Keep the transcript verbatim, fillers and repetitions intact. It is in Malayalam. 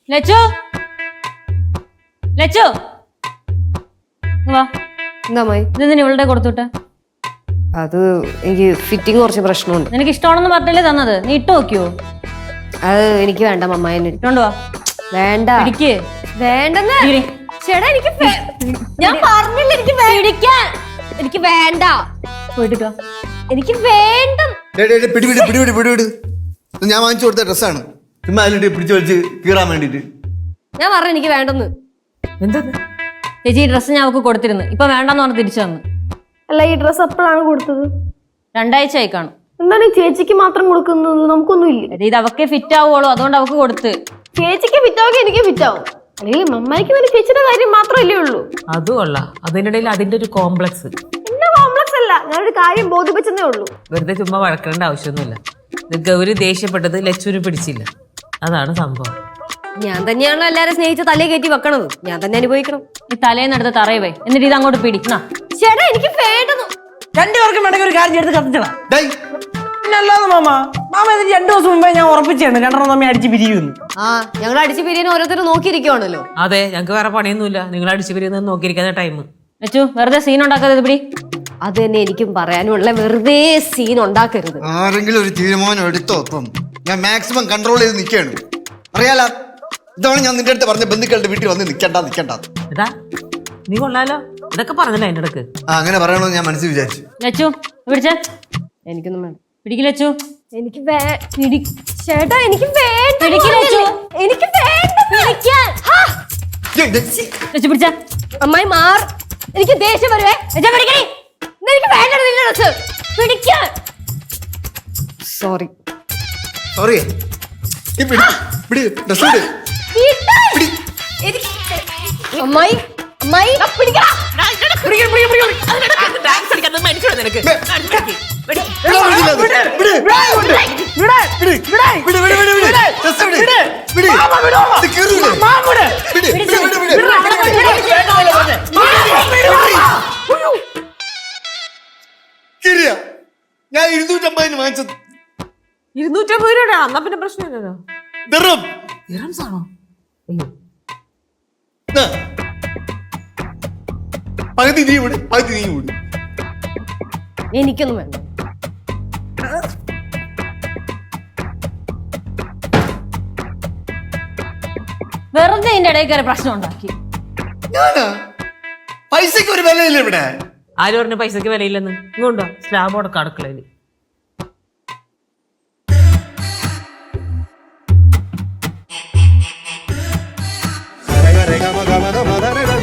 ലച്ചു ലച്ചു വാ. എന്താ മായി? ഇതെന്തിനാ ഇവളുടെ കൊടുത്തുവിട്ടെ? അത് എനിക്ക് ഫിറ്റിംഗ് കുറച്ച് പ്രശ്നമുണ്ട്. നിനക്ക് ഇഷ്ടമാണെന്ന് പറഞ്ഞല്ലേ തന്നത്, നീ ഇട്ട് നോക്കിയോ? അത് എനിക്ക് വേണ്ട മമ്മായി. ഇട്ടോണ്ട് വാ. വേണ്ട പിടിക്ക്. വേണ്ടെന്ന് ചേട്ടാ, എനിക്ക് ഞാൻ പറഞ്ഞില്ല എനിക്ക് പിടിക്കാൻ. എനിക്ക് വേണ്ട. പോയിട്ട് വാ. എനിക്ക് വേണ്ട. പിടിപിടി പിടിപിടി പിടിപിടി ഞാൻ വാങ്ങിച്ചു കൊടുത്ത ഡ്രസ്സാണ്. ചുമ്മാ അതിലിട്ട് പിടിച്ചു വലിച്ച് കീറാൻ വേണ്ടിട്ട്. ഞാൻ പറഞ്ഞു എനിക്ക് വേണ്ടെന്ന്. എന്താ ചേച്ചി ഈ ഡ്രസ്സ് ഞാൻ അവൾക്ക് കൊടുത്തിരുന്നു, ഇപ്പൊ വേണ്ടെന്ന് പറഞ്ഞ് തിരിച്ചു തന്നു. അല്ല, ഈ ഡ്രസ്സ് എപ്പോഴാണ് കൊടുത്തത്? രണ്ടാഴ്ച ആയി കാണും. എന്താണ് ഈ ചേച്ചിക്ക് മാത്രം കൊടുക്കുന്നത്? നമുക്കൊന്നും ഇല്ല. ഇത് അവക്കേ ഫിറ്റ് ആവുള്ളൂ, അതുകൊണ്ട് അവക്ക് കൊടുത്ത്. ചേച്ചിക്ക് ഫിറ്റാവുക എനിക്ക് ഫിറ്റാവും, അല്ലെങ്കിൽ മമ്മായിക്ക് വേണ്ടി ചേച്ചിയുടെ കാര്യം മാത്രമല്ലേ ഉള്ളൂ. അതും കൊള്ളാം. അതിനിടയിൽ അതിന്റെ ഒരു കോംപ്ലക്സ്. എന്റെ കോംപ്ലക്സ് അല്ല, ഞാനൊരു കാര്യം ബോധിപ്പിച്ചതേ ഉള്ളൂ. വെറുതെ ചുമ്മാ വഴക്കേണ്ട ആവശ്യമൊന്നുമില്ല. ഇത് ഗൗരി ദേഷ്യപ്പെട്ടത് ലച്ചുവിന് പിടിച്ചില്ല, അതാണ് സംഭവം. ഞാൻ തന്നെയാണല്ലോ എല്ലാരും സ്നേഹിച്ച തലേ കയറ്റി വെക്കണത്, ഞാൻ തന്നെ അനുഭവിക്കണം. ഈ തലേന്നെടുത്ത് തറയുവേ, എന്നിട്ട് ഇത് അങ്ങോട്ട് പിടിക്കണ. ചേട്ടാ എനിക്ക് വേണ്ടെന്ന്. രണ്ടുപേർക്കും വേണമെങ്കിൽ ഒരു കാര്യം എടുത്ത് കത്തിച്ചടാ. ഡേയ്, അല്ലാതെ മാമ മാമ ഇത് രണ്ടു ദിവസം മുമ്പേ ഞാൻ ഉറപ്പിച്ചാണ് രണ്ടെണ്ണം തമ്മിൽ അടിച്ച് പിരിയുന്നു. ആ ഞങ്ങൾ അടിച്ചു പിരിയാൻ ഓരോരുത്തരും നോക്കിയിരിക്കുവാണല്ലോ. അതെ, ഞങ്ങൾക്ക് വേറെ പണിയൊന്നുമില്ല, നിങ്ങൾ അടിച്ച് പിരിയുന്നത് നോക്കിയിരിക്കുന്ന ടൈം. ലച്ചു വെറുതെ സീൻ ഉണ്ടാക്കാതെ ഇത് പിടി. അത് തന്നെ എനിക്കും പറയാനുള്ള, വെറുതെ സീൻ ഉണ്ടാക്കരുത്. ആരെങ്കിലും ഒരു തീരുമാനം എടുത്തോ? ഇപ്പം ഞാൻ മാക്സിമം കൺട്രോൾ ചെയ്ത് നിൽക്കുകയാണ്. അറിയാലോ, ഇതാണ് ഞാൻ നിന്റെ അടുത്ത് പറഞ്ഞ ബന്ധുക്കളുടെ വീട്ടിൽ വന്ന് നിൽക്കണ്ട നിൽക്കണ്ട. എടാ നീ കൊള്ളാലോ, ഇതൊക്കെ പറഞ്ഞല്ലേ അതിന്റെ ഇടക്ക്. ആ അങ്ങനെ പറയണമെന്ന് ഞാൻ മനസ്സിൽ വിചാരിച്ചു. ലച്ചു പിടിച്ച. എനിക്കൊന്നും വേണ്ട. പിടിക്ക് ലച്ചു. എനിക്ക് ചേട്ടാ എനിക്ക് വേണ്ട. പിടിക്ക് ലച്ചു. എനിക്ക് വേണ്ട. ലച്ചു പിടിച്ച. അമ്മായി മാർ, എനിക്ക് ദേഷ്യം വരുവേ. എനിക്ക് വേണ്ട നിന്റെ ഡ്രസ് പിടിക്കാൻ. Sorry sorry. അമ്മായി അമ്മായി പിടിക്കാം. ഞാൻ ഇരുന്നൂറ്റമ്പതിന് വാങ്ങിച്ചത്. ഇരുന്നൂറ്റമ്പത് രൂപ. എന്നാ പിന്നെ പ്രശ്നമില്ലല്ലോ. ദിർഹം. ദിർഹംസ് ആണോ? അയ്യോ, ആ. പകുതി നീ വിട്, പകുതി നീ വിട്. എനിക്കൊന്നും വേണ്ട. വെറുതെ ഇതിന്റെ ഇടയിൽ കയറി പ്രശ്നം ഉണ്ടാക്കി. ഞാനാ? പൈസക്ക് ഒരു വിലയില്ല ഇവിടെ. ആര് പറഞ്ഞ പൈസക്ക് വിലയില്ലെന്ന്? ഇങ്ങോട്ടോ സ്ലാബോടൊക്കെ അടുക്കളയില്. Rega, rega, maga, maga, maga, rega.